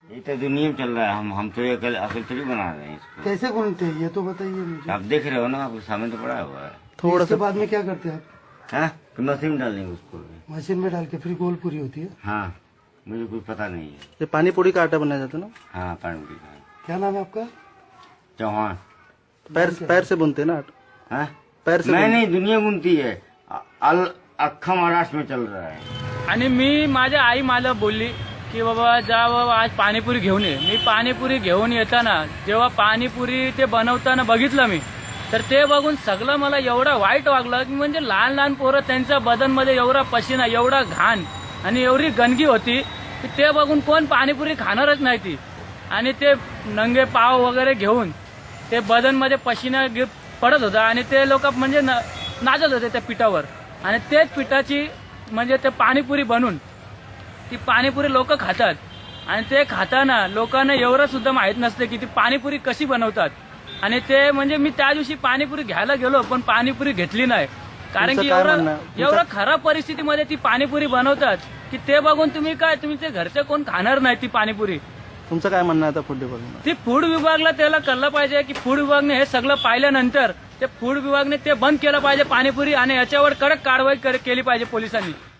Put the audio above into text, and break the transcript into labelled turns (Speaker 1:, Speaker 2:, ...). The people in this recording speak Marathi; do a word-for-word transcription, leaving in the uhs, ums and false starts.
Speaker 1: ये तो दुनिया में चल रहा है। हम हम तो ये अकल अकल थोड़ी बना रहे हैं इसको।
Speaker 2: कैसे घूमते हैं ये तो बताइए मुझे।
Speaker 1: आप देख रहे हो ना, आपके सामने तो पड़ा हुआ है।
Speaker 2: थोड़ा इसके बाद में क्या करते हैं आप?
Speaker 1: हाँ, तो मशीन डालेंगे उसको।
Speaker 2: मशीन में डाल के फिर गोल पूरी होती है।
Speaker 1: हाँ, मुझे कुछ पता नहीं है।
Speaker 3: ये पानी पूरी का आटा बनाया जाता है ना?
Speaker 1: हाँ, पानी पूरी का।
Speaker 2: क्या नाम है आपका?
Speaker 1: चौहान।
Speaker 3: पैर पैर से बुनते हैं ना आटा?
Speaker 1: हाँ,
Speaker 3: पैर से
Speaker 1: मैं
Speaker 3: बुन-
Speaker 1: नहीं, दुनिया बुनती है। अ- अल अख्खा महाराष्ट्र में चल रहा है।
Speaker 4: आणि मी माझ्या आई मला बोलली की बाबा जा बाबा आज पाणीपुरी घेऊन ये. मी पाणीपुरी घेऊन येताना जेव्हा पाणीपुरी ते बनवताना बघितलं मी, तर ते बघून सगळं मला एवढं वाईट वागलं की म्हणजे लहान लहान पोरं त्यांच्या बदनमध्ये एवढा पशिना, एवढा घाण आणि एवढी गंदगी होती की ते बघून कोण पाणीपुरी खाणारच नाही ती. आणि ते नंगे पाव वगैरे घेऊन ते बदनमध्ये पशिना गिर- पडत होता आणि ते लोक म्हणजे न- नाचत होते त्या पिठावर. आणि तेच पिठाची म्हणजे ते पाणीपुरी बनवून ती पाणीपुरी लोक खातात. आणि ते खाताना लोकांना एवढं सुद्धा माहित नसते की ती पाणीपुरी कशी बनवतात. आणि ते म्हणजे मी त्या दिवशी पाणीपुरी घ्यायला गेलो पण पाणीपुरी घेतली नाही, कारण
Speaker 3: तुमचं
Speaker 4: की
Speaker 3: काय
Speaker 4: एवढं
Speaker 3: म्हणणं आहे?
Speaker 4: एवढं खराब परिस्थितीमध्ये ती पाणीपुरी बनवतात की ते बघून तुम्ही काय तुम्ही ते घरचे कोण खाणार नाही ती पाणीपुरी.
Speaker 3: तुमचं काय म्हणणं आहे आता फूड डिपार्टमेंट?
Speaker 4: ती फूड विभागला त्याला कळलं पाहिजे की फूड विभागने हे सगळं पाहिल्यानंतर ते फूड विभागने ते बंद केलं पाहिजे पाणीपुरी आणि याच्यावर कडक कारवाई कर- केली पाहिजे पोलिसांनी.